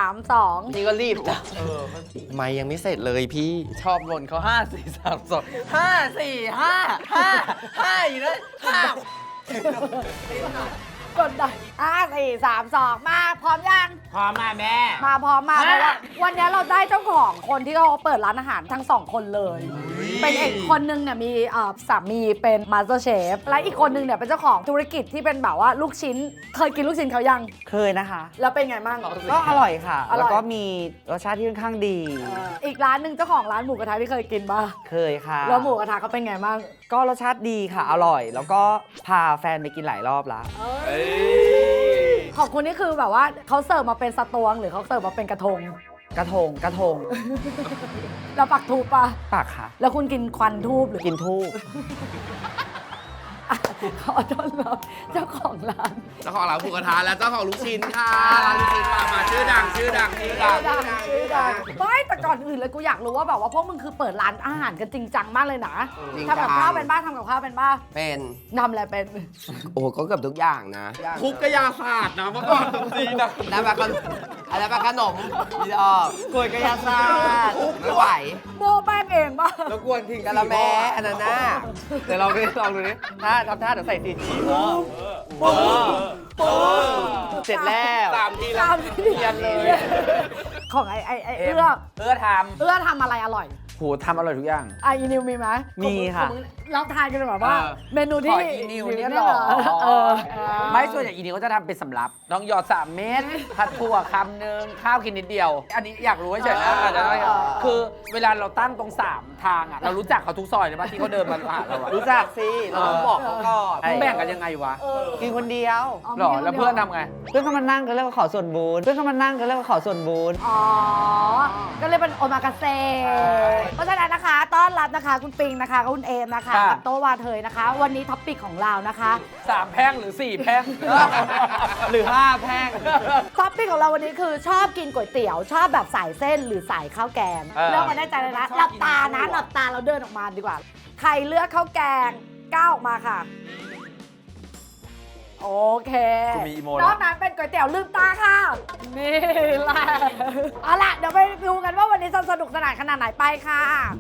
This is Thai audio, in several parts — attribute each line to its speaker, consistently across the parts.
Speaker 1: 3 2
Speaker 2: นี่ก็รีบนะ
Speaker 3: ไม่ยังไม่เสร็จเลยพี่
Speaker 2: ชอบบ่นเขา5 4 3 2 5 4 5 5อยู่นะ
Speaker 1: กดดัน4 3 2มาพร้อมยัง
Speaker 2: พร้อมมาแม่
Speaker 1: มาพร้อมมาเพราะว่าวันนี้เราได้เจ้าของคนที่เขาเปิดร้านอาหารทั้งสองคนเลย เป็นเอกคนนึงเนี่ยมีสามีเป็นมาสเตอร์เชฟและอีกคนนึงเนี่ยเป็นเจ้าของธุรกิจที่เป็นแบบว่าลูกชิ้นเคยกินลูกชิ้นเขายัง
Speaker 4: เคยนะคะ
Speaker 1: แล้วเป็นไงบ้าง
Speaker 4: ก็อร่อยค่ะ
Speaker 1: อร่อย
Speaker 4: แล้วก็มีรสชาติที่ค่อนข้างดี
Speaker 1: อีกร้านหนึ่งเจ้าของร้านหมูกระทะที่เคยกินป่ะ
Speaker 4: เคยค่ะ
Speaker 1: แล้วหมูกระทะเขาเป็นไงบ้าง
Speaker 4: ก็รสชาติดีค่ะ อร่อย แล้วก็พาแฟนไปกินหลายรอบละ
Speaker 1: ของคุณนี่คือแบบว่าเขาเสิร์ฟมาเป็นสตวงหรือเขาเสิร์ฟมาเป็นกระทง
Speaker 4: กระทง
Speaker 1: แล้วปักทูปป่ะ
Speaker 4: ปากค่ะ
Speaker 1: แล้วคุณกินควันทูบหรือ
Speaker 4: กินทูบ
Speaker 1: ขอต้อนรับเจ้าของร้าน
Speaker 3: เจ้าของร้านหมูกระทะและเจ้าของลูกชิ้นค่ะร้านลูกชิ้นมาชื่อดังชื่อดัง
Speaker 1: ชื่อดังไม่แต่ก่อนอื่นเลยกูอยากรู้ว่าแบบว่าพวกมึงคือเปิดร้านอาหารกันจริงจังมากเลยนะทำกับข้าวเป็นบ้างทำกับข้าวเป็นบ้าง
Speaker 5: เป็น
Speaker 1: ทำอะไรเป็น
Speaker 5: โอ้โหก็เกือบทุกอย่างนะ
Speaker 3: คุกกระยาศาสตร์นะเมื่อก่อนจริงนะ
Speaker 5: แล้วแบบอะไรแบบขนมพี่ดอก
Speaker 4: กล้วยกระยาศาสตร์
Speaker 5: ไม่ไหว
Speaker 1: โมแป้งเองป่ะ
Speaker 3: แล้วกวนทิ้ง
Speaker 5: กะละแม่อันนั้นน่ะ
Speaker 3: เดี๋ยวลองดูดิถ้าทำท่าเดี๋ยวใส่ตีนฉีเสร็จแล้ว3 ทีแล้วเรียนเลย
Speaker 1: ของไอ้เอื้อ
Speaker 2: เพื่อท
Speaker 1: เอื้อทำอะไรอร่อย
Speaker 2: ำโหทำอร่อยทุกอย่าง
Speaker 1: อีนิวมีไหม
Speaker 4: มีค่ะ
Speaker 1: เราทานกันแบบว่า เมนูที่
Speaker 2: ขออีนิวนี่
Speaker 1: ได้
Speaker 2: หรอ
Speaker 1: เออ
Speaker 2: ไม่ส่วนใหญ่อีนิวก็จะทำเป็นสำรับต้องหยอด3 เม็ดผัดถั่วคำหนึ่งข้าวกินนิดเดียว อันนี้อยากรู้เฉยๆนะอาจจะได้คือเวลาเราตั้งตรง3 ทางอ่ะเรารู้จักเขาทุกซอยเลยป่ะที่เขาเดินมาหาเราอะ
Speaker 4: รู้จักสิ เราต้องบอกเขาก่อน
Speaker 2: แบ่งกันยังไงวะ
Speaker 4: กินคนเดียว
Speaker 2: หรอแล้วเพื่อนทำไง
Speaker 4: เพื่อนเขามานั่งกันแล้วก็ขอส่วนบุญเพื่อนเขามานั่งกันแล้วก็ขอส่วนบุญ
Speaker 1: อ๋อ ก็เลยเป็นโอมากาเซเพราะฉะนั้นนะคะ ต้อนรับนะคะ คุณปิงนะคะคุณเอมนะคะ
Speaker 2: ครับ
Speaker 1: กับโตวาเทยนะคะ วันนี้ท็อปปิกของเรานะคะ
Speaker 2: 3 แพร่งหรือ 4 แพร่ง
Speaker 4: หรือ5แพร่ง
Speaker 1: ท็อปปิกของเราวันนี้คือชอบกินก๋วยเตี๋ยว ชอบแบบสายเส้นหรือสายข้าวแกง
Speaker 2: เออ
Speaker 1: เลือกมาได้ใจเลยนะหลับตานะหลับตาเราเดินออกมาดีกว่า ใครเลือกข้าวแกงก้าวออกมาค่ะ โอเค
Speaker 2: กูมีอีโม
Speaker 1: น
Speaker 2: แล้
Speaker 1: อ
Speaker 2: ว
Speaker 1: กนั้นเป็นก๋วยเตี๋ยวลืมตาค่ะ นี่แหละเอาล่ะ เดี๋ยวไปดูกันว่าวันนี้จะสนุกสนานขนาดไหนไปค่ะ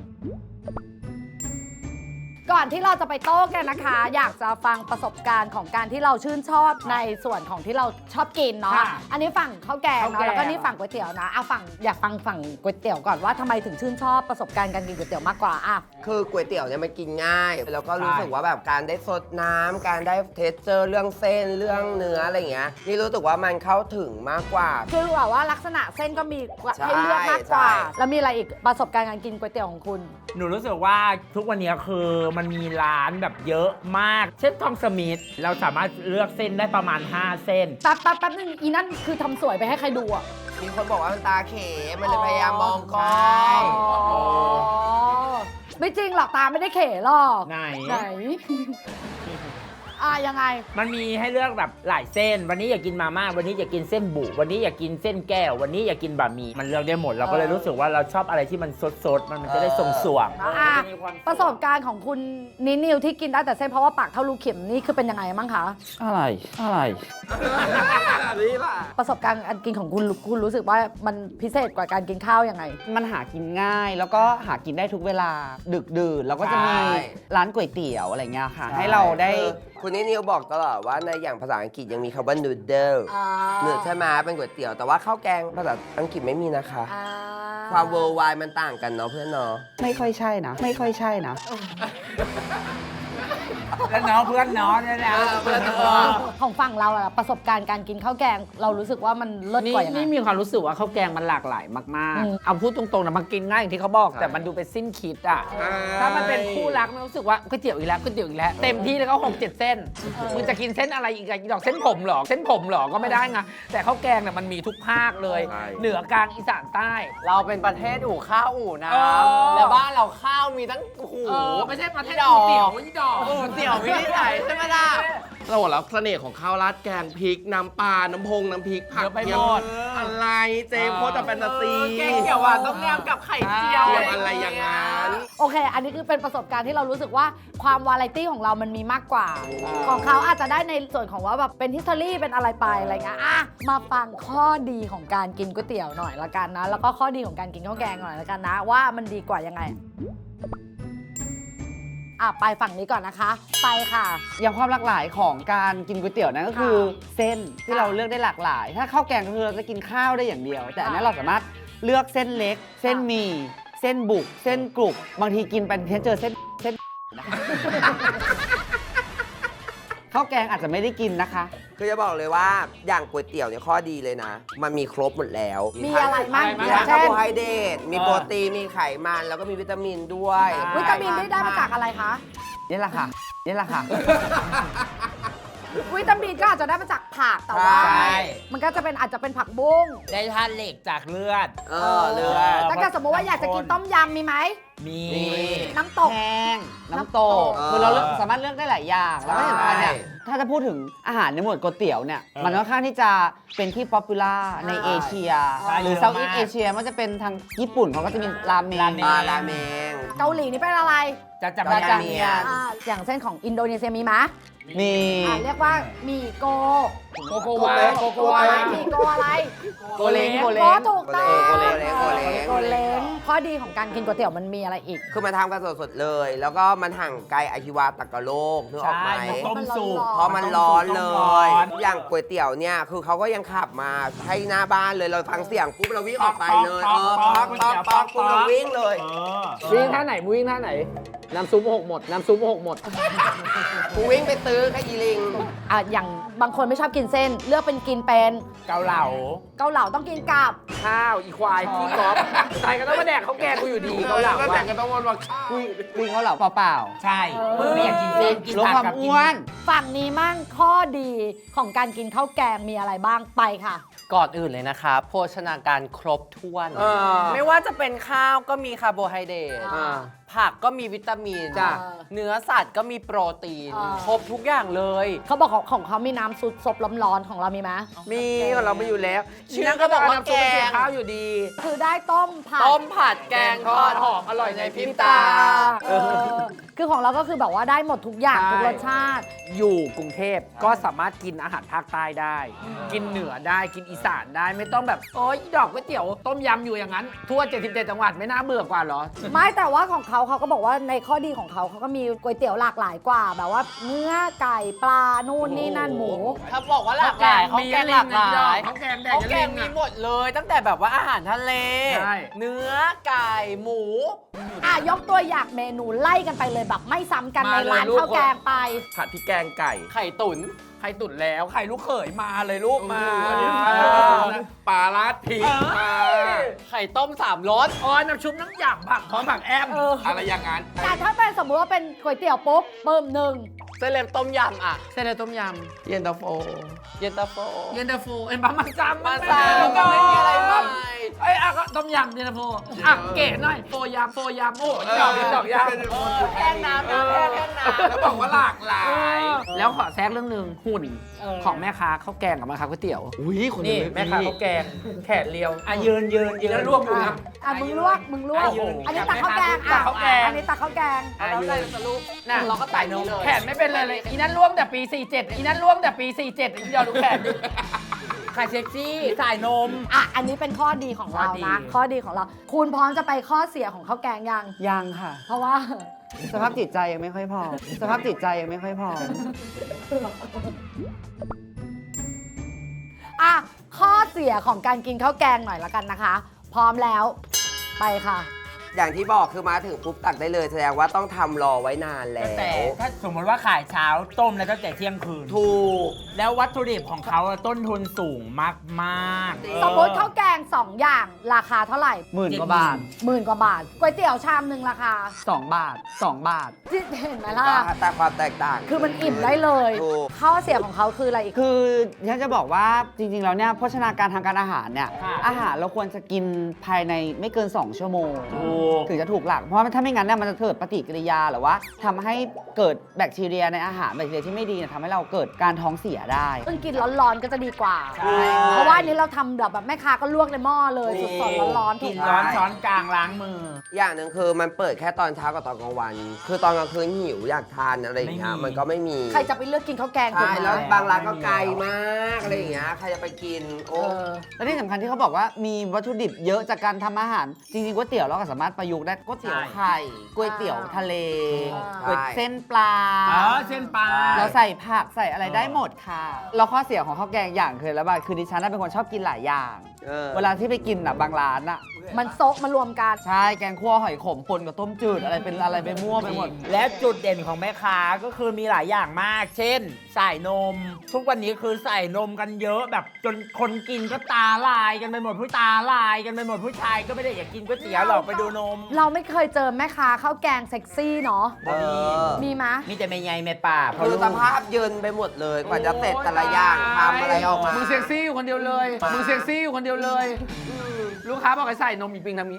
Speaker 1: ก่อนที่เราจะไปโต้กันนะคะ อยากจะฟังประสบการณ์ของการที่เราชื่นชอบในส่วนของที่เราชอบกินเนาะ
Speaker 2: ค่ะ
Speaker 1: อันนี้ฝั่งข้าวแกง
Speaker 2: ข้าว
Speaker 1: เนาะ
Speaker 2: แกง
Speaker 1: แล้วก็นี่ฝั่งก๋วยเตี๋ยวนะอยากฟังฝั่งก๋วยเตี๋ยวก่อนว่าทำไมถึงชื่นชอบประสบการณ์การกินก๋วยเตี๋ยวมากกว่าอ่ะ
Speaker 5: คือก๋วยเตี๋ยวเนี่ยมันกินง่าย แล้วก็รู้สึกว่าแบบการได้สดน้ำการได้เทสเจอร์เรื่องเส้นเรื่องเนื้ออะไรอย่างเงี้ยนี่รู้สึกว่ามันเข้าถึงมากกว่า
Speaker 1: คือแบบว่าลักษณะเส้นก็มี
Speaker 5: ใช่
Speaker 1: ให้เลือกมากกว่า
Speaker 5: ใช่
Speaker 1: แล้วมีอะไรอีกประสบการณ์การกินก๋วยเตี๋ยวของคุณ
Speaker 6: หนูรู้สึกว่าทุกวันนี้คือมันมีร้านแบบเยอะมาก เช่นทอมสมิธเราสามารถเลือกเส้นได้ประมาณ 5 เส้น
Speaker 1: แป๊บนึงอีนั่นคือทำสวยไปให้ใครดูอ่ะ
Speaker 5: มีคนบอกว่ามันตาเขมันเลยพยายามมองกล้อ
Speaker 6: ใช่
Speaker 5: ง
Speaker 1: อ๋อไม่จริงหรอกตาไม่ได้เขหรอก
Speaker 6: ไหน
Speaker 1: ยังไง
Speaker 6: มันมีให้เลือกแบบหลายเส้น วันนี้อยากกินมาม่าวันนี้อยากกินเส้นบุ วันนี้อยากกินเส้นแก้ว วันนี้อยากกินบะหมี่มันเลือกได้หมดเราก็เลยรู้สึกว่าเราชอบอะไรที่มันสดๆมันจะได้ส่งสวง
Speaker 1: อ่ะประสบการณ์ของคุณนิวที่กินได้แต่เส้นเพราะว่าปากเท่ารูเข็มนี่คือเป็นยังไงบ้างคะ
Speaker 4: อะไร
Speaker 1: ประสบการณ์การกินของคุณรู้สึกว่ามันพิเศษกว่าการกินข้าวยังไง
Speaker 4: มันหากินง่าย แล้วก็หากินได้ทุกเวลา ดึกดื่นแล้วก็จะมี
Speaker 5: ใช่
Speaker 4: ร้านก๋วยเตี๋ยวอะไรเงี้ยค่ะ ให้เราได้
Speaker 5: คุณนิวบอกตลอดว่าในอย่างภาษาอังกฤษยังมีคำว่า noodle เนื้อใช่ไหมเป็นก๋วยเตี๋ยวแต่ว่าข้าวแกงภาษาอังกฤษไม่มีนะคะ ความ worldwide มันต่างกันเนาะเพื่อนเนาะ
Speaker 4: ไม่ค่อยใช่นะ ไม่ค่อยใช่นะ
Speaker 6: แล้วน้องเพื่อนน้องเนี่ยนะ
Speaker 1: ของฝั่งเราอะประสบการณ์การกินข้าวแกงเรารู้สึกว่ามันเลิศ
Speaker 2: นี่
Speaker 1: กว่ายังไง
Speaker 2: นี่มีความรู้สึกว่าข้าวแกงมันหลากหลายมาก
Speaker 1: อืม
Speaker 2: ๆ เอาพูดตรงๆนะมันกินง่ายอย่างที่เขาบอก แต่มันดูเป็นสิ้นคิดอ่ะ ถ้ามันเป็นคู่รักมันรู้สึกว่าก๋วยเตี๋ยวอีกแล้วก๋วยเตี๋ยวอีกแล้วเต็มที่แล้วก็6-7 เส้นมึงจะกินเส้นอะไรอีกดอกเส้นผมเหรอเส้นผมเหรอก็ไม่ได้ไงแต่ข้าวแกงเนี่ยมันมีทุกภาคเลย
Speaker 3: ใช่
Speaker 2: เหนือกลางอีสานใต้
Speaker 3: เราเป็นประเทศอู่ข้าวอู่น้
Speaker 2: เออ
Speaker 3: ำแล้วบ้านเราข้าวมีตั้งโอ้โห
Speaker 2: ไม่ใช่ประเทศ
Speaker 3: ดอก
Speaker 2: เตี๋ยวไม่ใช่ดอก
Speaker 3: เตี๋ยวมีที่ไหนใช่ไหมล่ะโอ้แล้วเสน่ห์ของข้าวราดแกงพริกน้ำปลาน้ำพงน้ำพริกผัก
Speaker 6: เยอะไปหมด
Speaker 3: อะไรเจมส์โคตรจะแฟนตาซี
Speaker 6: แกงเขียวหวานต้มยำกับไข่เจียว
Speaker 3: เจียวอะไรอย่างนั้น
Speaker 1: โอเค อันนี้คือเป็นประสบการณ์ที่เรารู้สึกว่าความวาไรตี้ของเรามันมีมากกว่า ของเขาอาจจะได้ในส่วนของว่าแบบเป็นฮิสตอรี่เป็นอะไรไปอะไรเงี้ยอ่ะมาฟังข้อดีของการกินก๋วยเตี๋ยวหน่อยละกันนะ แล้วก็ข้อดีของการกินข้าวแกงหน่อยละกันนะ ว่ามันดีกว่ายังไง ไปฝั่งนี้ก่อนนะคะ ไปค่ะ
Speaker 4: อย่างความหลากหลายของการกินก๋วยเตี๋ยวนั้นก็คือเส้นที่เราเลือกได้หลากหลาย ถ้าข้าวแกงก็คือเราจะกินข้าวได้อย่างเดียว แต่อันนี้เราสามารถเลือกเส้นเล็ก เส้นหมี่เส้นบุก เส้นกรุบบางทีกินไปเจอเส้นข้าวแกงอาจจะไม่ได้กินนะคะ
Speaker 5: คือจะบอกเลยว่าอย่างก๋วยเตี๋ยวเนี่ยข้อดีเลยนะ มันมีครบหมดแล้ว
Speaker 1: มีอะไรบ้าง
Speaker 5: มี
Speaker 1: อย่า
Speaker 5: ทั้
Speaker 1: ง
Speaker 5: ง
Speaker 1: เช่
Speaker 5: คาน ร์โบไฮเดรตมีโปรตีนมีไขมันแล้วก็มีวิตามินด้วย
Speaker 1: วิตามินได้มาจากอะไรคะ
Speaker 4: นี่แหละค่ะนี่แหละค่ะ
Speaker 1: วิตามินก็อาจจะได้มาจากผักแต่ว่า
Speaker 6: ใช่
Speaker 1: มันก็จะเป็นอาจจะเป็นผักบุ้ง
Speaker 6: ได้ธาตุเหล็กจากเลือด
Speaker 5: เลือด
Speaker 1: ถ้าเกิดสมมติว่าอยากจะกินต้มยำมีไหม
Speaker 6: มี
Speaker 1: น้ำตก
Speaker 4: แห้งน้ำตก
Speaker 1: น้ำตก
Speaker 4: คือเราสามารถเลือกได้หลายอย่าง แล้วก็อย่างไรเนี่ย
Speaker 5: ใช่
Speaker 4: ถ้าจะพูดถึงอาหารในหมวดก๋วยเตี๋ยวเนี่ย มันค่อนข้างที่จะเป็นที่ป๊อปปูล่าในเอเชีย
Speaker 6: ใช่
Speaker 4: หรือ
Speaker 6: เยอะ
Speaker 4: เซาท์อี
Speaker 6: มาก
Speaker 4: สเอเชียมันจะเป็นทางญี่ปุ่นเขาก็จะมีราเมง
Speaker 5: ราเมง
Speaker 1: เกาหลีนี่เป็นอะไร
Speaker 6: จะจำ
Speaker 5: รา
Speaker 6: ได้
Speaker 5: จาเมียน
Speaker 1: อย่างเส้นของอินโดนีเซียมีไหม
Speaker 4: มี
Speaker 1: เรียกว่าหมี่โก
Speaker 2: โกโกวาโกโกวา
Speaker 1: หมี่โกอะไร
Speaker 4: โกเล้งโก
Speaker 1: โก
Speaker 4: เล้ง
Speaker 1: ถูกต้อง
Speaker 5: โกเล้งโกเล้ง
Speaker 1: โกเล้งข้อดีของการกินก๋วยเตี๋ยวมันมีอะไรอีก
Speaker 5: คือมันทำกันสดๆเลย แล้วก็มันห่างไกลอาชีวะตะกะโลกนึกออกไหม
Speaker 6: ใช่มันต้มสุก
Speaker 5: เพราะมันร้อนเล
Speaker 6: ต้มร้อย น
Speaker 5: อย่างก๋วยเตี๋ยวเนี่ย คือเขาก็ยังขับมาให้หน้าบ้านเลย เราฟังเสียงปุ๊บเราวิ่งออกไปเลย
Speaker 6: ป๊อก
Speaker 5: ป๊อกป๊อกปุ๊บเราวิ่งเลย
Speaker 2: วิ่งท่าไหนวิ่งท่าไหน น้ำซุปหกหมด น้ำซุปหกหมด
Speaker 5: กูวิ่งไปตื้อแค่อีลิง
Speaker 1: อย่างบางคนไม่ชอบกินเส้น เลือกเป็นกินเป็น
Speaker 6: เกาเหลา
Speaker 1: เกาเหลาต้องกินกับ
Speaker 2: ข้าวอีควายขี้กอล์ฟตายก็ต้องมาแดกข้าวแกงกูอยู่ดีเขาหลัง
Speaker 3: ก็แต่
Speaker 2: ว่า
Speaker 3: งกันต้องวนว่าข้าว
Speaker 4: คุยเขาเหล่าเปล่า
Speaker 6: ใช่มึงไม่อยากกินเส้นกิน
Speaker 4: ๆลด
Speaker 6: ผัก
Speaker 4: ความ
Speaker 6: กับกิ
Speaker 4: อ้วน
Speaker 1: ฝั่งนี้มั่งข้อดีของการกินข้าวแกงมีอะไรบ้างไปค่ะ
Speaker 7: ก่อนอื่นเลยนะคะโภชนาการครบถ้วน ไม่ว่าจะเป็นข้าวก็มีคาร์โบไฮเดรต ผักก็มีวิตามิน
Speaker 1: จ้ะ
Speaker 7: เนื้อสัตว์ก็มีโปรตีน
Speaker 1: อ่า
Speaker 7: ครบทุกอย่างเลย
Speaker 1: เขาบอกของเขามีน้ำซุปซบร้อนๆของเรามีไหม
Speaker 2: มีของเราไม่อยู่แล้ว
Speaker 7: ชื่อก็บอกว่า
Speaker 2: น้ำซุปเป็น
Speaker 7: แกง
Speaker 2: ข้าวอยู่ดี
Speaker 1: คือได้ต้มผัด
Speaker 7: ต้มผัดแกงทอด
Speaker 2: หอมอร่อยในพริบ
Speaker 7: ตา
Speaker 1: เออคือของเราก็คือแบบว่าได้หมดทุกอย่าง
Speaker 2: ใช่
Speaker 1: ทุกรสชาติ
Speaker 2: อยู่กรุงเทพก็สามารถกินอาหารภาคใต้ได้ กินเหนือได้กินอีสานได้ไม่ต้องแบบโอ๊ยดอกก๋วยเตี๋ยวต้มยำอยู่อย่างนั้น ทั่ว77จังหวัดไม่น่าเบื่อกว่าเหรอ
Speaker 1: ไม่แต่ว่าของเขาก็บอกว่าในข้อดีของเขาก็มีก๋วยเตี๋ยวหลากหลายกว่า แบบว่าเนื้อไก่ปลานู่นนี่นั่นหมู
Speaker 7: ถ้าบอกว่าหลากหลายเขาแกงหลากหลาย
Speaker 2: ข้าวแกงแด
Speaker 7: เขา
Speaker 2: ก
Speaker 7: แกงมีหมดเลย ตั้งแต่แบบว่าอาหารทะเล
Speaker 2: ใช่
Speaker 7: เนื้อไก่หมู
Speaker 1: ยกตัวอย่างเมนูไล่กันไปเลยแบบไม่ซ้ำกันในร้านข้าวแกงไป
Speaker 3: ผัดพริกแกงไก่
Speaker 7: ไข่ตุ๋น
Speaker 2: ไข่ตุ๋นแล้วไข่ลูกเขยมาเลยลูกมา
Speaker 3: ปลาราดพริกมา
Speaker 7: ไข่ต้ม3รส
Speaker 2: อ๋อน้ำชุบน้ำยำผักพร้อมผักแอม
Speaker 3: อะไรอย่างนั้น
Speaker 1: แต่ถ้าเป็นสมมติว่าเป็นก๋วยเตี๋ยวปุ๊บเบิ่มหนึ่ง
Speaker 7: เส้นเล็บต้มยำอ่ะ
Speaker 2: เส้นอะไรต้มย
Speaker 3: เย็นตาโฟ
Speaker 7: เย็นตาโฟ
Speaker 2: ำเย็นตาโฟเอ็นบะมันจำ
Speaker 7: มาซาก็ไม่มีอะไรมาก
Speaker 2: เอ้ยก็ต้มยำเย็นตาโฟเก๋หน่อยโฟยำโอ้ยดอกยำ
Speaker 7: แห้งน้ำนะแห้งน้ำ
Speaker 3: แล้วบอกว่าหลากหลาย
Speaker 2: แล้วขอแทรกเรื่องหนึ่งหุ่นของแม่ค้าข้าวแกงกับแม่ค้าก๋วยเตี๋ยว
Speaker 3: อุ้ยคน
Speaker 2: นี่
Speaker 3: นี้
Speaker 2: แม่ค้าข้าวแกงแขนเรียว
Speaker 6: ยืน
Speaker 2: แล้วรวบอยู่นะ
Speaker 1: มึงลวกอันนี้ตักข้าวแกง
Speaker 2: ตักข้าวแกง
Speaker 1: อันนี้ตักข้าวแกง
Speaker 7: แล้วได้สรุป
Speaker 2: น่ะ
Speaker 7: เราก็ใส่นี้เลย
Speaker 2: แขนไม่เป็นเลยอีนั้นร่วมแต่ปี 47อีนั้นร่วมแต่ปี 47อีเดียวดูแขนดิ
Speaker 6: ไข่เซ็กซี่สายนม
Speaker 1: อันนี้เป็นข้อดีของเรา
Speaker 2: ข้อดี
Speaker 1: นะ ข้อดีของเรา คุณพร้อมจะไปข้อเสียของข้าวแกงยัง
Speaker 4: ยังค่ะ
Speaker 1: เพราะว่า
Speaker 4: สภาพจิตใจยังไม่ค่อยพอ สภาพจิตใจยังไม่ค่อยพอ
Speaker 1: ข้อเสียของการกินข้าวแกงหน่อยละกันนะคะ พร้อมแล้ว ไปค่ะ
Speaker 5: อย่างที่บอกคือมาถึงปุ๊บตักได้เลย แสดงว่าต้องทำรอไว้นานแล้
Speaker 6: แต่
Speaker 5: ว
Speaker 6: ถ้าสมมติว่าขายเช้าต้มแล้วตั้งแต่เที่ยงคืน
Speaker 5: ถูก
Speaker 6: แล้ววัตถุดิบของเขาต้นทุนสูงมากๆ
Speaker 1: สมมติข้าวแกง 2 อย่างราคาเท่าไหร่
Speaker 4: 10,000 กว่าบาท
Speaker 1: 10,000 กว่าบาทก๋วยเตี๋ยวชามหนึ่งราคา
Speaker 4: 2 บาท 2 บาท
Speaker 1: เห็นไหมล่ะ
Speaker 5: แต่ความแตกต่าง
Speaker 1: คือมันอิ่มได้เลย
Speaker 5: ถูก
Speaker 1: ข้อเสียของเขาคืออะไรอีก
Speaker 4: คือฉันจะบอกว่าจริง ๆ แล้วเนี่ยโภชนาการทางการอาหารเนี่ย
Speaker 6: ค่ะ
Speaker 4: อาหารเราควรจะกินภายในไม่เกิน 2 ชั่วโมง
Speaker 6: ถูกก
Speaker 4: ถึงจะถูกหลัก เพราะว่าถ้าไม่งั้นเนี่ยมันจะเกิดปฏิกิริยาหรือว่าทำให้เกิดแบคทีเรียในอาหารแบคทีเรียที่ไม่ดีเนี่ยทำให้เราเกิดการท้องเสียได้
Speaker 1: ซึ่งกินร้อนๆก็จะดีกว่า
Speaker 6: ใช่
Speaker 1: เพราะว่าอันนี้เราทำแบบแม่ค้าก็ลวกในหม้อเลยสดๆร้อนๆ
Speaker 6: กิน
Speaker 1: ถูไหม
Speaker 6: ร้อนช้อนกลางล้างมือ
Speaker 5: อย่างหนึ่งคือมันเปิดแค่ตอนเช้ากับตอนกลางวัน คือตอนกลางคืนหิวอยากทานอะไรอย่างเงี้ย
Speaker 6: ไม่มี
Speaker 5: มันก็ไม่มี
Speaker 1: ใครจะไปเลือกกินข้าวแกงถูก
Speaker 5: ใช่
Speaker 1: ไหม
Speaker 5: แล้วบางร้านก็ไกลมากอะไรอย่างเงี้ยใครจะไปกินโอ้
Speaker 4: และที่สำคัญที่เขาบอกว่ามีวัตถุดิบเยอะจากการทำอาหาร จริงๆก๋วยเตี๋ยวเราก็สามารถประยุกต์ได้ก๋วยเตี๋ยวไข่ก๋วยเตี๋ยวทะเลก๋วยเส้นปลา
Speaker 6: เส้นปลา
Speaker 4: เราใส่ผักใส่อะไรได้หมดค่ะแล้วข้อเสียของข้าวแกงอย่างคือแล้วบ้างคือดิฉันน่ะเป็นคนชอบกินหลายอย่าง เวลาที่ไปกินบางร้านอ่ะ
Speaker 1: มันโซกมารวมกัน
Speaker 4: ใช่แกงคั่วหอยขมปนกับต้มจืดอะไรเป็นอะไรไปมั่วไปหมด
Speaker 6: และจุดเด่นของแม่ค้าก็คือมีหลายอย่างมาก เช่น ใส่นม ทุกวันนี้คือใส่นมกันเยอะแบบจนคนกินก็ตาลายกันไปหมดผู้ตาลายกันไปหมดผู้ชายก็ไม่ได้อยากกินก๋วยเตี๋ยวหรอกไปดูนม
Speaker 1: เราไม่เคยเจอแม่ค้าข้าวแกงเซ็กซี่เนาะ มีไหมย
Speaker 6: มีแต่แม่ใหญ่แม่ป่าเพราะ
Speaker 5: คือ
Speaker 6: ลูก
Speaker 5: สภาพเยินไปหมดเลยกว่าจะเสร็จแต่ละอย่างทำอะไรออกมา
Speaker 2: มึงเซ็กซี่อยู่คนเดียวเลย มึงเซ็กซี่อยู่คนเดียวเลย ลูกค้าบอกให้ใส่นมอีปิงทำนี้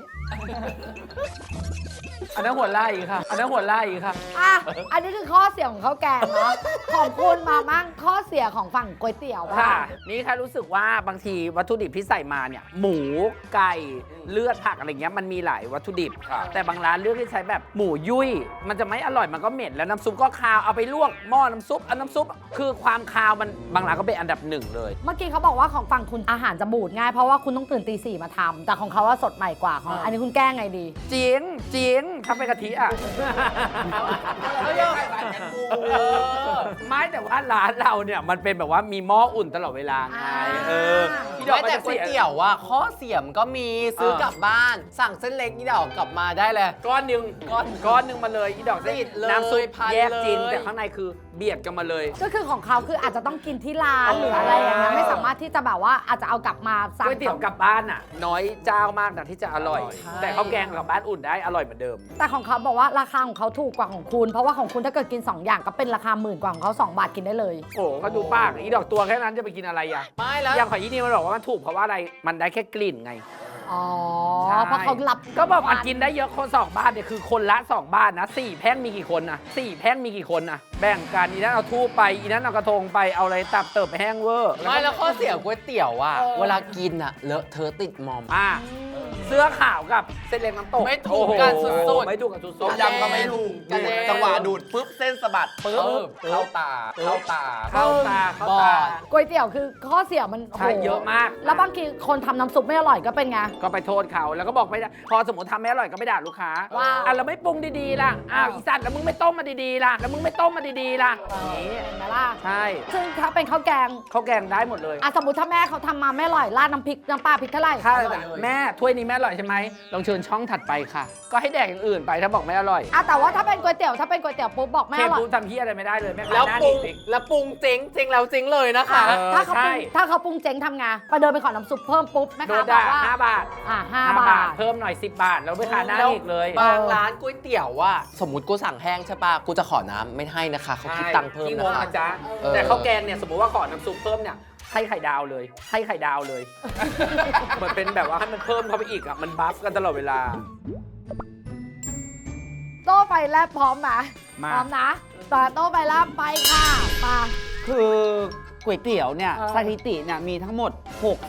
Speaker 2: อันนั้นหัวไล่ค่ะ อันนั้นหัวไล่ค่ะ
Speaker 1: อ่ะ อันนี้คือข้อเสียของข้าวแกงเนาะ ของคุณมามั่งข้อเสียของฝั่งก๋วยเตี๋ยว
Speaker 2: ค่ะ
Speaker 1: บ้าง
Speaker 2: นี่แค่รู้สึกว่าบางทีวัตถุดิบที่ใส่มาเนี่ย หมูไก่เลือดผักอะไรเงี้ยมันมีหลายวัตถุดิบ แต่บางร้านเลือกที่ใช้แบบหมูยุ่ย มันจะไม่อร่อยมันก็เหม็นแล้วน้ำซุปก็คาวเอาไปลวกหม้อน้ำซุปเอาน้ำซุปคือความคาวมันบางร้านก็เป็นอันดับหนึ่งเลย
Speaker 1: เมื่อกี้เขาบอกว่าของฝั่งคุณอาหารจะบูดง่ายเพราะว่าคุณต้องตื่นตี 4มาทำแต่ของเขาว่าสดใหม่กว่าของอันนี้คุณแก้ไงดี
Speaker 2: จริงจริงถ้าเป็นกะทิอ่ะ ไม่แต่ว่าร้านเราเนี่ยมันเป็นแบบว่ามีหม้ออุ่นตลอดเวลาไงพี่ดอก
Speaker 7: ไม่แต่ก๋วยเตี๋ยวอ่ะข้อเสียมก็มีซื้อกลับบ้าน สั่งเส้นเล็กนี่เดี๋ยวกลับมาได้เลย
Speaker 2: ก้อนหนึ่งก้อนหนึ่งมาเลยอีดอก
Speaker 7: ติดเลย
Speaker 2: น้ำซุป
Speaker 7: พัน
Speaker 2: แยกจริง
Speaker 7: เลย
Speaker 2: แต่ข้างในคือเบียดกันมาเลย
Speaker 1: ก็คือของเขาคืออาจจะต้องกินที่ร้านหรืออะไรอย่างเงี้ยไม่สามารถที่จะแบบว่าอาจจะเอากลับมาสั่ง
Speaker 2: ก๋วยเตี๋ยวกลับบ้านอ่ะ น้อยเจ้ามากนะที่จะอร่อย แต่ข้าวแกงกลับบ้านอุ่นได้อร่อยเหมือนเดิม
Speaker 1: แต่ของเขาบอกว่าราคาของเขาถูกกว่าของคุณ เพราะว่าของคุณถ้าเกิดกิน 2 อย่างก็เป็นราคาหมื่นกว่าของเขา2 บาทกินได้เลย
Speaker 2: โอ้โหก็ดูปากอีดอกตัวแค่นั้นจะไปกินอะไรอ่ะ
Speaker 7: ไม่แล้ว
Speaker 2: อย่างของอีนี่มันบอกว่ามันถูกเพราะว่าอะไรมันได้แค่กลิ่นไง
Speaker 1: อ๋อ
Speaker 2: ใช่
Speaker 1: เพราะเขารับ
Speaker 2: ก็บอกมันกินได้เยอะคน2 บ้านเนี่ยคือคนละ 2 บ้านนะ4แพ่งมีกี่คนนะ4แพ่งมีกี่คนนะแบ่งกันอีนั้นเอาทูบไปอีนั้นเอากระทงไปเอาอะไรตับเติบไปแห้งเวอร์
Speaker 7: ไม่แล้วข้อเสียก๋วยเตี๋ยวอ่ะเวลากินอ่ะเลอะเธอะติดมอม
Speaker 2: เสื้อขาวกับเส้นเล็กน้ำตก
Speaker 7: ไม่ถูกกันสุดๆ
Speaker 2: โอ้โหไม่ถูกกันสุดๆ
Speaker 3: ต้มยำก็ไม่ถูก
Speaker 7: กระเด็น
Speaker 3: จังหวะดูดปุ๊บเส้นสะบัดปุ๊บเข้าตาเข้าตา
Speaker 2: เข้าตาเข้า
Speaker 7: บอ
Speaker 2: ตา
Speaker 7: ด
Speaker 1: ก๋วยเตี๋ยวคือข้อเสียมันโโห
Speaker 2: ใช่เยอะมาก
Speaker 1: แล้วบางทีคนทำน้ำซุปไม่อร่อยก็เป็นไง
Speaker 2: ก็ไปโทษเขาแล้วก็บอกไม่ได้พอสมมติทำไม่อร่อยก็ไม่ด่าลูกค้า
Speaker 1: ว่า
Speaker 2: อ่ะเราไม่ปรุงดีๆล่ะอ้าวอีสัตว์แล้วมึงไม่ต้มมาดีๆล่ะแล้วมึงไม่ต้มมาดีๆล่ะอย่างนี้
Speaker 1: เห็นไหมล่ะ
Speaker 2: ใช่
Speaker 1: ซึ่งถ้าเป็นข้าวแกง
Speaker 2: ข้าวแกงได้หมดเลย
Speaker 1: อ่ะสมมติถ้าแม่เขาทำมาไม่อร่อยราดน้ำพริกน้ำปลาพริกเท่าไหร่
Speaker 2: ถ้าแม่ถ้วยนี้แม่อร่อยใช่ไหมลองเชิญช่องถัดไปค่ะ ก็ให้แดกอย่างอื่นไปถ้าบอกไม่อร่อย
Speaker 1: อ่ะแต่ว่าถ้าเป็นก๋วยเตี๋ยวปุ๊บบอกไม่
Speaker 2: เท
Speaker 1: อร่อย
Speaker 2: ปูทำเฮียอะไรไม่ได้เลยแม่ค้า
Speaker 7: แล้ว
Speaker 2: หน้า
Speaker 7: ปรุง
Speaker 2: หนีบ
Speaker 7: แล้วปรุงเจ๊งเจ๊งแล้วเจ๊งเลยนะคะ
Speaker 2: เออ
Speaker 1: ถ้าเขาป
Speaker 2: ใช่
Speaker 1: รุงถ้าเขาปรุงเจ๊งทำไงไปเดินไปขอน้ำซุปเพิ่มปุ๊บแม่
Speaker 2: โด
Speaker 1: ค้าน บอ
Speaker 2: ด่าก
Speaker 1: ว่า
Speaker 2: 5 บาท
Speaker 1: 5 บาท
Speaker 2: เพิ่มหน่อย10 บาทแล้วไม่ค้าหน้าอีกเลย
Speaker 7: บางร้านก๋วยเตี๋ยวอ่ะสมมติกูสั่งแห้งใช่ป่ะกูจะขอน้ำไม่ให้นะคะเขาคิดตังค์เพิ่ม
Speaker 2: ที่ง
Speaker 7: นะ
Speaker 2: ง
Speaker 7: คะ
Speaker 2: นะจ๊ะ
Speaker 7: เออ
Speaker 2: แต่ข้าวแกงเนี่ยสมมติว่าขอน้ำซุปเพิ่มเนี่ยให้ไข่ดาวเลย ให้ไข่ดาวเลย เหมือนเป็นแบบว่าให้มันเพิ่มเข้าไปอีกอ่ะมันบัฟกันตลอดเวลา
Speaker 1: โต้ไปแลบพร้อมไหม
Speaker 2: มา
Speaker 1: พร้อมนะต่อโต้ไปแลบไปค่ะมา
Speaker 4: คือก๋วยเตี๋ยวเนี่ย
Speaker 1: เออ
Speaker 4: สถิติเนี่ยมีทั้งหมด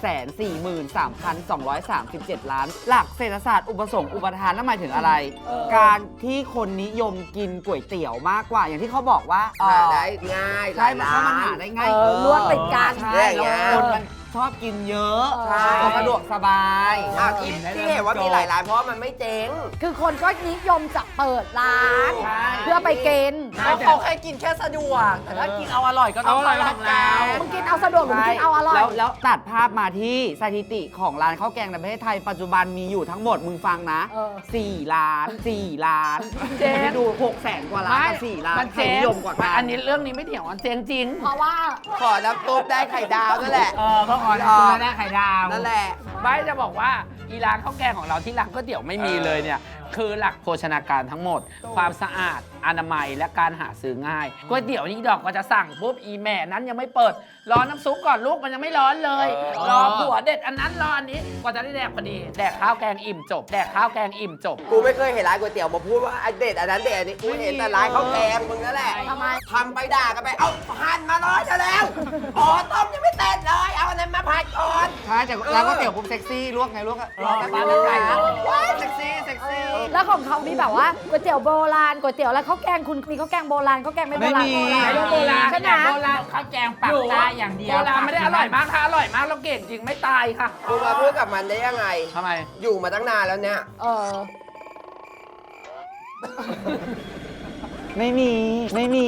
Speaker 4: 643,237 ล้าน หลักเศรษฐศาสตร์อุปสงค์อุปทานนั่นหมายถึงอะไร การที่คนนิยมกินก๋วยเตี๋ยวมากกว่าอย่างที่เขาบอกว่า
Speaker 5: หาได้ง่าย
Speaker 4: ใช่เพราะมันหาได้ง่าย
Speaker 1: ลวกติดกัน
Speaker 4: ใช่แล้วคนมันชอบกินเยอะ
Speaker 1: ใช่
Speaker 4: ก็สะดวกสบาย
Speaker 5: ที่เห็นว่ามีหลายร้านเพราะว่ามันไม่เจ๊ง
Speaker 1: คือคนก็นิยมจะเปิดร้าน
Speaker 4: ใช่
Speaker 1: เพื่อไปกิน
Speaker 7: เขาแค่กินแค่สะดวก แต่ถ้ากินเอาอร่อยก็ต้อง
Speaker 2: เอาอร่อยของเรา
Speaker 1: มึงกินเอาสะดวกหรือมึงกินเอาอร่อย
Speaker 4: แล้วตัดภาพมาที่สถิติของร้านข้าวแกงในประเทศไทยปัจจุบันมีอยู่ทั้งหมดมึงฟังนะ
Speaker 1: เออ
Speaker 4: 4 ล้าน 4 ล้าน
Speaker 2: เจ๊ง
Speaker 4: ให้ดู 600,000 กว่าล้านกับ4ล้าน
Speaker 2: มัน
Speaker 4: ใคร
Speaker 2: เจ๊ง
Speaker 4: นิยมกว่ากัน
Speaker 2: อันนี้เรื่องนี้ไม่เถียงมันเจ๊งจริง
Speaker 1: เพราะว่า
Speaker 5: ขอน้ำซุปได้ไข่ดาวนั่นแหละ
Speaker 2: เพราะขอได้ไข่ดาว
Speaker 5: นั่นแหละ
Speaker 2: ไม่จะบอกว่าอีร้านข้าวแกงของเราที่ร้านก๋วยเตี๋ยวไม่มีเลยเนี่ย คือหลักโภชนาการทั้งหมด ความสะอาดอนามัยและการหาซื้อง่ายก๋วยเตี๋ยวนี่ดอกก็จะสั่งปุ๊บอีแม่นั้นยังไม่เปิดรอน้ำซุปก่อนลูกมันยังไม่ร้อนเลยรอผัวเด็ดอันนั้นรออันนี้กว่าจะได้แดกพอดีแดกข้าวแกงอิ่มจบแดกข้าวแกงอิ่มจบ
Speaker 5: กูไม่เคยเห็นร้านก๋วยเตี๋ยวมาพูดว่าอันเด็ดอันนั้นเด็ดอันนี้กูเห็นแต่ร้านข้าวแกงมึงนั่นแหละ
Speaker 1: ทำไม
Speaker 5: ทำไปด่ากันไปเอาหั่นมาร้อยจะแล้วอ๋อต้มยังไม่เสร็จเลยเอาอันนั้นมาผัดก่อน
Speaker 4: ใช่แต่ร้านก๋วยเตี๋ยวปุ๊บเซ็กซี่ลวกไงลวกอะรอแป๊บนึงไงว้ายเซ็กซี่เซ็กซี่
Speaker 1: แล้วของเขามีแบบว่าก๋วยเตี๋ยวโบราณก๋วยเตี๋ยวแล้วข้าวแกงคุณมีข้าวแกงโบราณข้าวแกงไม่โบราณ
Speaker 4: ไม่มี
Speaker 2: โบราณ
Speaker 1: ใช่ไหม
Speaker 6: โบราณข้าวแกงปักใต้อย่างเดียว
Speaker 2: โบราณไม่ได้อร่อยมากถ้าอร่อยมากเราเก่งจริงไม่ตายค่ะ
Speaker 5: กูมาพูดกับมันได้ยังไง
Speaker 2: ทำไม
Speaker 5: อยู่มาตั้งนานแล้วเนี่ย
Speaker 4: ไม่มีไม่มี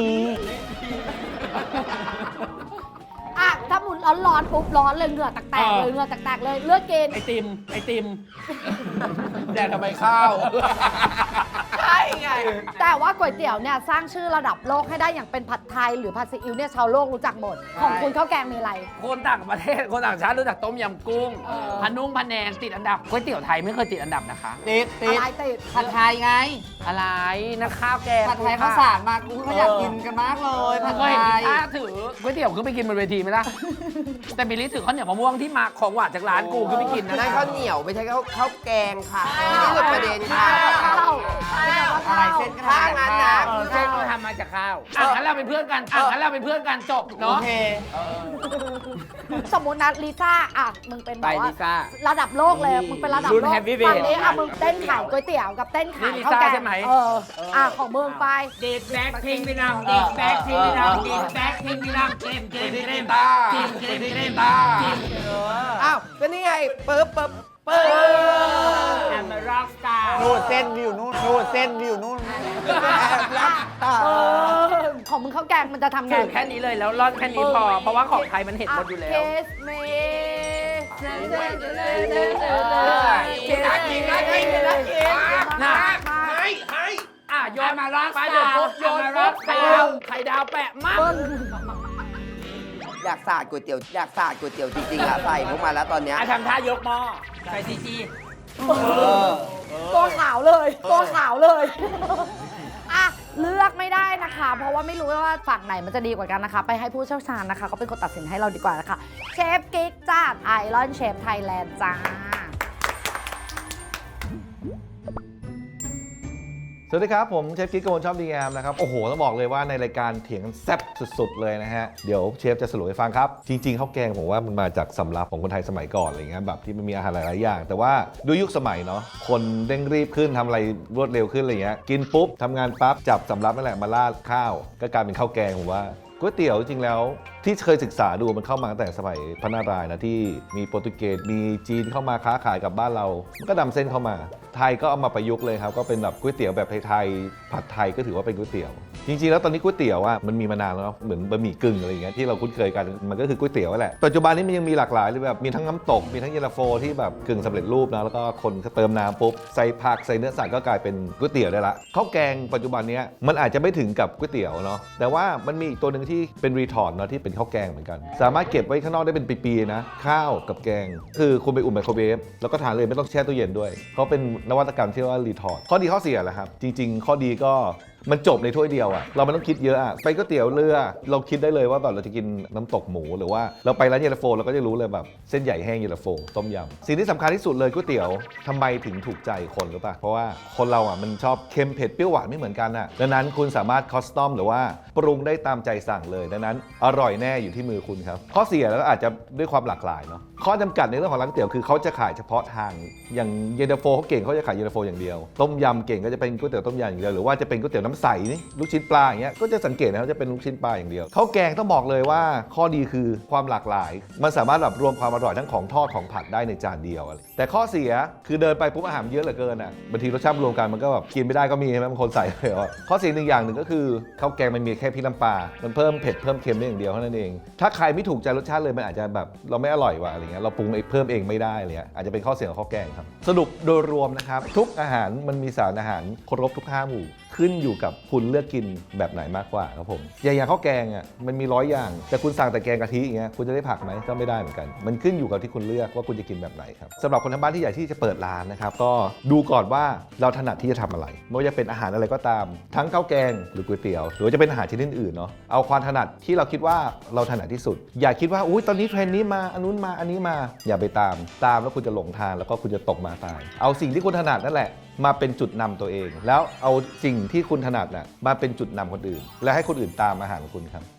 Speaker 1: อ่ะถ้าหมุนร้อนๆปุ๊บร้อนเลยเหงื่อแตกๆเลยเหงื่อแตกๆเลยเลือกกิน
Speaker 2: ไอติมแดกทำไมข้าว
Speaker 5: ใช่ไง
Speaker 1: แต่ว่าก๋วยเตี๋ยวเนี่ยสร้างชื่อระดับโลกให้ได้อย่างเป็นผัดไทยหรือผัดซีอิ๊วเนี่ยชาวโลกรู้จักหมด ของคุณข้าวแกงมีอะไร
Speaker 2: คนต่างประเทศคนต่างชาติรู้จักต้มยำกุ้งพะนุ่งพะแนงติดอันดับก๋วยเตี๋ยวไทยไม่เคยติดอันดับนะคะ
Speaker 4: ติด
Speaker 1: อะไรติด
Speaker 4: ผัดไทยไง
Speaker 2: อะไรนะข้าวแกง
Speaker 4: ผัดไทยข้าวสารมากูก็อยากกินกันมากเลยผัด
Speaker 2: เค
Speaker 4: ไท
Speaker 2: ยเห็น
Speaker 4: ย
Speaker 2: ถ้าถือก๋วยเตี๋ยวขึ้นไปกินบนเวทีไหมล่ะ แต่บิลลี่ถือข้าวเหนียวมะม่วงที่มาของหวานจากร้านกูขึ้นไปกินนะ
Speaker 5: นั่นข้าวเหนียวไม่ใช่ข้าวแกงค่ะนี่คือประเด็นค่ะ
Speaker 1: ข้าว
Speaker 4: อะไรเส้นก็
Speaker 5: ถ้างั้นนะ
Speaker 6: เส้นก็ทำมาจากข้าว
Speaker 2: งั้นเราเป็นเพื่อนกันงั้นเราเป็นเพื่อนกันจบ
Speaker 4: โอ
Speaker 2: เนาะ
Speaker 4: เค
Speaker 1: สมมุตินะลิซ่าอ่ะมึงเป็นแบบ
Speaker 6: ไปลิซ่า
Speaker 1: ระดับโลกเลยมึงเป็นระดับ
Speaker 6: รุ่น
Speaker 1: โลก
Speaker 6: Heavy Weight
Speaker 1: ฝั่งนี้อ่ะมึงเต้นขายก๋วยเตี๋ยวกับเต้นขายข้าวแกงอ่ะของมึงไป
Speaker 6: เด็กแบ็คทิ้งไปนำเด็กแบ็คทิ้งไปนำเด็กแบ็คทิ้งไปนำเกมเกมเกมตาเกมเกมเกมตา
Speaker 5: อ้าวก็นี่ไงปึ๊บปึ๊บปึ๊บ
Speaker 6: แอมร็อกสตาร์
Speaker 4: นู่นเส้นวิวนู่นนู่นเส้นวิวนู่น
Speaker 1: ของมึงข้าวแกงมันจะทำไง
Speaker 2: ถือแค่นี้เลยแล้วร่อนแค่นี้พอ เพราะว่าของไทยมันเห็นหมดอยู่แล้ว
Speaker 1: Kiss me
Speaker 5: น่ากินน่ากินน่ากิน
Speaker 2: น่ะ
Speaker 5: ให้
Speaker 2: โยนมาร็อกไปเดี๋ยวปุ๊บโยนปุ๊บไข่ดาวแปะมาก
Speaker 5: อยากสาดก๋วยเตี๋ยวอยากสาดก๋วยเตี๋ยวจริงๆอะใส่พวกมาแล้วตอนเนี้ย
Speaker 6: ทำท่ายกหม้อใส่ซีจี
Speaker 1: ตัวขาวเลยตัวขาวเลยอ่ะเลือกไม่ได้นะคะ เพราะว่าไม่รู้ว่าฝั่งไหนมันจะดีกว่ากันนะคะ ไปให้ผู้เชี่ยวชาญนะคะเขาเป็นคนตัดสินให้เราดีกว่านะคะเชฟกิ๊กจากไอรอนเชฟไทยแลนด์จ้า
Speaker 8: สวัสดีครับ ผมเชฟกิ๊กโกนชอบดีงามนะครับ โอ้โห ต้องบอกเลยว่าในรายการเถียงกันแซ่บสุดๆเลยนะฮะ เดี๋ยวเชฟจะสรุปให้ฟังครับ จริงๆข้าวแกงผมว่ามันมาจากสำรับของคนไทยสมัยก่อนอะไรเงี้ยแบบที่มันมีอาหารหลายๆอย่าง แต่ว่าด้วยยุคสมัยเนาะคนเร่งรีบขึ้นทำอะไรรวดเร็วขึ้นอะไรเงี้ยกินปุ๊บทำงานปั๊บจับสำรับนั่นแหละมาราดข้าวก็กลายเป็นข้าวแกงผมว่าก๋วยเตี๋ยวจริงแล้วที่เคยศึกษาดูมันเข้ามาตั้งแต่สมัยพระนารายณ์นะที่มีโปรตุเกสมีจีนเข้ามาค้าขายกับบ้านเรามันก็นำเส้นเข้ามาไทยก็เอามาประยุกต์เลยครับก็เป็นแบบก๋วยเตี๋ยวแบบไทยๆผัดไทยก็ถือว่าเป็นก๋วยเตี๋ยวจริงๆแล้วตอนนี้ก๋วยเตี๋ยวอ่ะมันมีมานานแล้วเนาะเหมือนบะหมี่กึ่งอะไรอย่างเงี้ยที่เราคุ้นเคยกันมันก็คือก๋วยเตี๋ยวแหละปัจจุบันนี้มันยังมีหลากหลายเลยแบบมีทั้งน้ำตกมีทั้งเย็นตาโฟที่แบบกึ่งสำเร็จรูปนะแล้วก็คนก็เติมน้ำปุ๊บใส่ผักใส่เนื้อสัตว์ก็กลายเป็นก๋วยเตี๋ยวได้ละข้าวแกงปัจจุบันนี้มันอาจจะไม่ถึงกับก๋วยเตี๋ยวเนาะแต่ว่ามันมีอีกตัวหนึ่งที่เป็นรีทอร์ดเนาะที่เป็นข้าวแกงเหมือนกันสามารถเก็บไว้ข้างนอกได้เป็นปีๆนะข้าวกับแกงคือคุณไปอุ่นไมโครเวฟแล้วก็ทานเลยไม่ต้องแช่ตู้เย็นด้วยเขาเป็นนวัตกรรมที่เรียกว่ารีทอร์ดข้อดีข้อเสียแหละครับจริงๆข้อดีก็มันจบในถ้วยเดียวอะเราไม่ต้องคิดเยอะอะไปก๋วยเตี๋ยวเรือเราคิดได้เลยว่าแบบเราจะกินน้ำตกหมูหรือว่าเราไปร้านเย็นตาโฟเราก็จะรู้เลยแบบเส้นใหญ่แห้งเย็นตาโฟต้มยำสิ่งที่สำคัญที่สุดเลยก๋วยเตี๋ยวทำไมถึงถูกใจคนหรือเปล่าเพราะว่าคนเราอะมันชอบเค็มเผ็ดเปรี้ยวหวานไม่เหมือนกันอะดังนั้นคุณสามารถคอสตอมหรือว่าปรุงได้ตามใจสั่งเลยดังนั้นอร่อยแน่อยู่ที่มือคุณครับข้อเสียแล้วอาจจะด้วยความหลากหลายเนาะข้อจำกัดในเรื่องของร้านก๋วยเตี๋ยวคือเขาจะขายเฉพาะทางอย่างเย็นตาโฟเขาเก่งเขาจะขายเย็นตาโฟอย่างเดียวต้มยำเก่งก็จะเป็นก๋วยเตี๋ยวต้มยำอย่างเดียวหรือว่าจะเป็นก๋วยเตี๋ยวน้ำใสนี่ลูกชิ้นปลาอย่างเงี้ยก็จะสังเกตนะเขาจะเป็นลูกชิ้นปลาอย่างเดียวข้าวแกงต้องบอกเลยว่าข้อดีคือความหลากหลายมันสามารถแบบรวมความอร่อยทั้งของทอดของผัดได้ในจานเดียวแต่ข้อเสียคือเดินไปปุ๊บอาหารเยอะเหลือเกินอ่ะบางทีรสชาติรวมกันมันก็แบบกินไม่ได้ก็มีใช่ไหมบางคนใส่เลยว่าข้อเสียหนึ่งอย่างหนึ่งก็คือข้าวแกงมันมีแค่พริกน้ำปลามันเพิ่มเผ็ดเพิ่มเค็มได้อย่างเดียวเท่านั้นเองถ้าใครไม่ถูกใจรสชาติเลยมันอาจจะแบบเราไม่อร่อยว่ะอะไรเงี้ยเราปรุงเพิ่มเองไม่ได้เลยอาจจะเป็นข้อเสียของข้าวแกงครับสรุปโดยรวมนะครับทุกอาหารมันมีสารอาหารครบทุก5 หมู่คขึ้นอยู่กับคุณเลือกกินแบบไหนมากกว่าครับผมอย่างข้าวแกงอ่ะมันมี100 อย่างแต่คุณสั่งแต่แกงกะทิอย่างเงี้ยคุณจะได้ผักไหมก็ไม่ได้เหมือนกันมันขึ้นอยู่กับที่คุณเลือกว่าคุณจะกินแบบไหนครับสำหรับคนทางบ้านที่อยากที่จะเปิดร้านนะครับก็ดูก่อนว่าเราถนัดที่จะทำอะไรไม่ว่าจะเป็นอาหารอะไรก็ตามทั้งข้าวแกงหรือก๋วยเตี๋ยวหรือว่าจะเป็นอาหารชนิดอื่นเนาะเอาความถนัดที่เราคิดว่าเราถนัดที่สุดอย่าคิดว่าอุ้ยตอนนี้เทรนด์นี้มาอันนู้นมาอันนี้มาอย่าไปตามแล้วคุณจะหลงทางแล้วก็คุณจะตกมาตายเอาสิ่งที่คุณถนัดนั่นแหละมาเป็นจุดนำตัวเอง แล้วเอาสิ่งที่คุณถนัดน่ะมาเป็นจุดนำคนอื่น และให้คนอื่นตามอาหารของคุณครับ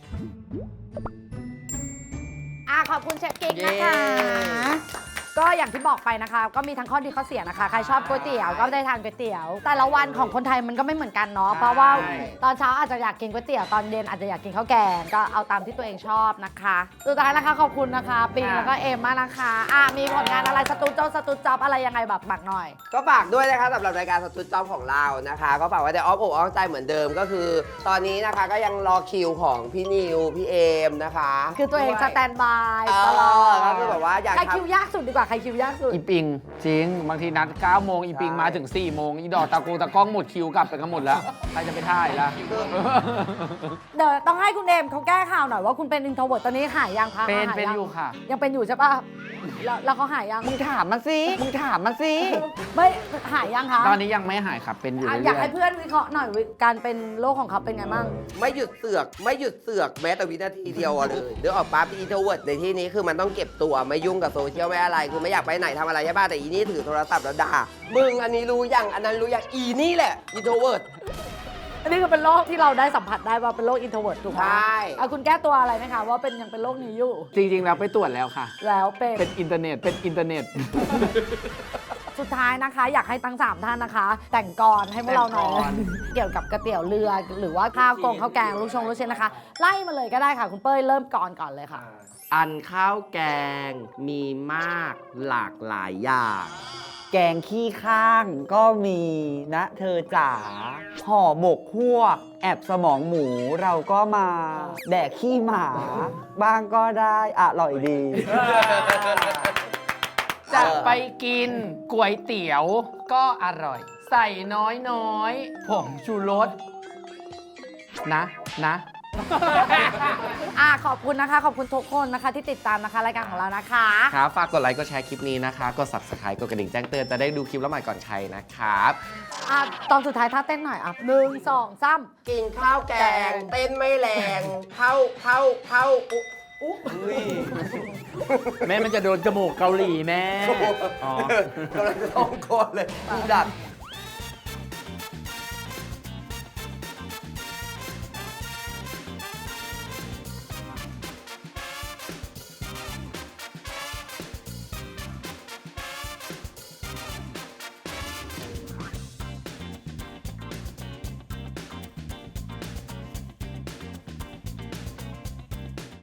Speaker 1: ขอบคุณเชฟกิ๊กนะคะ ก็อย่างที่บอกไปนะคะ ก็มีทั้งข้อดีข้อเสียนะคะ ใครชอบก๋วยเตี๋ยวก็ได้ทานก๋วยเตี๋ยว แต่ละวันของคนไทยมันก็ไม่เหมือนกันเนาะ เพราะว่าตอนเช้าอาจจะอยากกินก๋วยเตี๋ยว ตอนเย็นอาจจะอยากกินข้าวแกง ก็เอาตามที่ตัวเองชอบนะคะ สุดท้ายนะคะขอบคุณนะคะปิงแล้วก็เอมมากนะคะมีผลงานอะไรสตูดิโอสตูดิจ็อบอะไรยังไงแบบบักหน่อย
Speaker 5: ก็ฝากด้วยนะคะสำหรับรายการสตูดจ็อบของเรานะคะ ก็ฝากไว้ในอ้อมอกอ้อมใจเหมือนเดิมก็คือ ตอนนี้นะคะก็ยังรอคิวของพี่นิวพี่เอมนะคะ
Speaker 1: คือตัวเองสแตนบายต
Speaker 5: ต
Speaker 1: ล
Speaker 5: ล
Speaker 1: อ
Speaker 5: อ
Speaker 1: ด
Speaker 5: ดก็คือแบบว่าอยาก
Speaker 1: ใคร
Speaker 5: ทำ
Speaker 1: คิวยากสุดดีกว่าใครคิวยากสุด
Speaker 2: อีปิงจริงบางทีนัด9 โมงอีปิงมาถึง4 โมงอีดอกตะกล้องหมดคิวกลับไปกันหมดแล้วใครจะไปท่ายล่ะ
Speaker 1: เดี๋ยวต้องให้คุณเอมเขาแก้ข่าวหน่อยว่าคุณเป็นอินโทรเวิร์ตตอนนี้หายยังคะ
Speaker 2: เป็น
Speaker 1: หา
Speaker 2: เป็น
Speaker 1: ง
Speaker 2: อยู่ค่ะ
Speaker 1: ยังเป็นอยู่ใช่ป่ะแล้วเขาหายยัง
Speaker 4: มึงถามมาสิมึงถามมาสิ
Speaker 1: ไม่หายยังคะ
Speaker 2: ตอนนี้ยังไม่หายครับเป็นอยู่
Speaker 1: อยาก
Speaker 2: เรื่อ
Speaker 1: ให้
Speaker 2: ย
Speaker 1: เพื่อนวิเคราะห์หน่อยการเป็นโรคของเขาเป็นไงบ้าง
Speaker 5: ไม่หยุดเสือกแม้แต่วินาทีเดียวอะเลยเดี๋ยวออกปั๊บอินโทรเวิร์ดในที่นี้คือมันต้องเก็บตัวไม่ยุ่งกับโซเชียลไม่อะไรคือไม่อยากไปไหนทำอะไรใช่ป่ะแต่อีนี่ถือโทรศัพท์แล้วด่ามึงอันนี้รู้ยังอันนั้นรู้ยังอีนี่แหละอินโทรเวิร์ด
Speaker 1: อันนี้คือเป็นโรคที่เราได้สัมผัสได้ว่าเป็นโรคอินโทรเวิร์ตถูกไหม
Speaker 5: ใช่
Speaker 1: เอาคุณแก้ตัวอะไรไหมคะว่าเป็นยังเป็นโรคนี้อยู่
Speaker 2: ๆ จริง ๆ แล้วไปตรวจแล้วค่ะ
Speaker 1: แล้วเป็น
Speaker 2: เป็นอินเทอร์เน็ต
Speaker 1: สุดท้ายนะคะ อยากให้ทั้ง 3 ท่านนะคะ แต่งกรให้พวกเราหน่อย
Speaker 2: แต่งกล
Speaker 1: เกี่ยวกับก๋วยเตี๋ยวเรือ หรือว่าข้าวกงข้าวแกงลูกชิ้นนะคะ ไล่มาเลยก็ได้ค่ะ คุณเป้ยเริ่มก่อนเลยค่ะ
Speaker 5: อันข้าวแกงมีมากหลากหลายอย่าง
Speaker 4: แกงขี้ข้างก็มีนะเธอจ๋าห่อหมกฮวก แอบสมองหมูเราก็มา แดกขี้หมา บ้างก็ได้อร่อยดี
Speaker 2: จะไปกินก๋วยเตี๋ยวก็อร่อย ใส่น้อยผงชูรสนะ
Speaker 1: ขอบคุณนะคะ ขอบคุณทุกคนนะคะที่ติดตามนะคะรายการของเรานะคะ
Speaker 7: ครับ ฝากกดไลค์ กดแชร์คลิปนี้นะคะ กด subscribe กดกระดิ่งแจ้งเตือนจะได้ดูคลิปแล้วใหม่ก่อนใครนะครับ
Speaker 1: ตอนสุดท้ายท่าเต้นหน่อย1 2 3
Speaker 5: กินข้าวแกง เต้นไม่แรงเข้าอุ๊ย
Speaker 6: แม่มันจะโดนจมูกเกาหลีแม่
Speaker 5: กำลังจะต้องโกนเลยดัด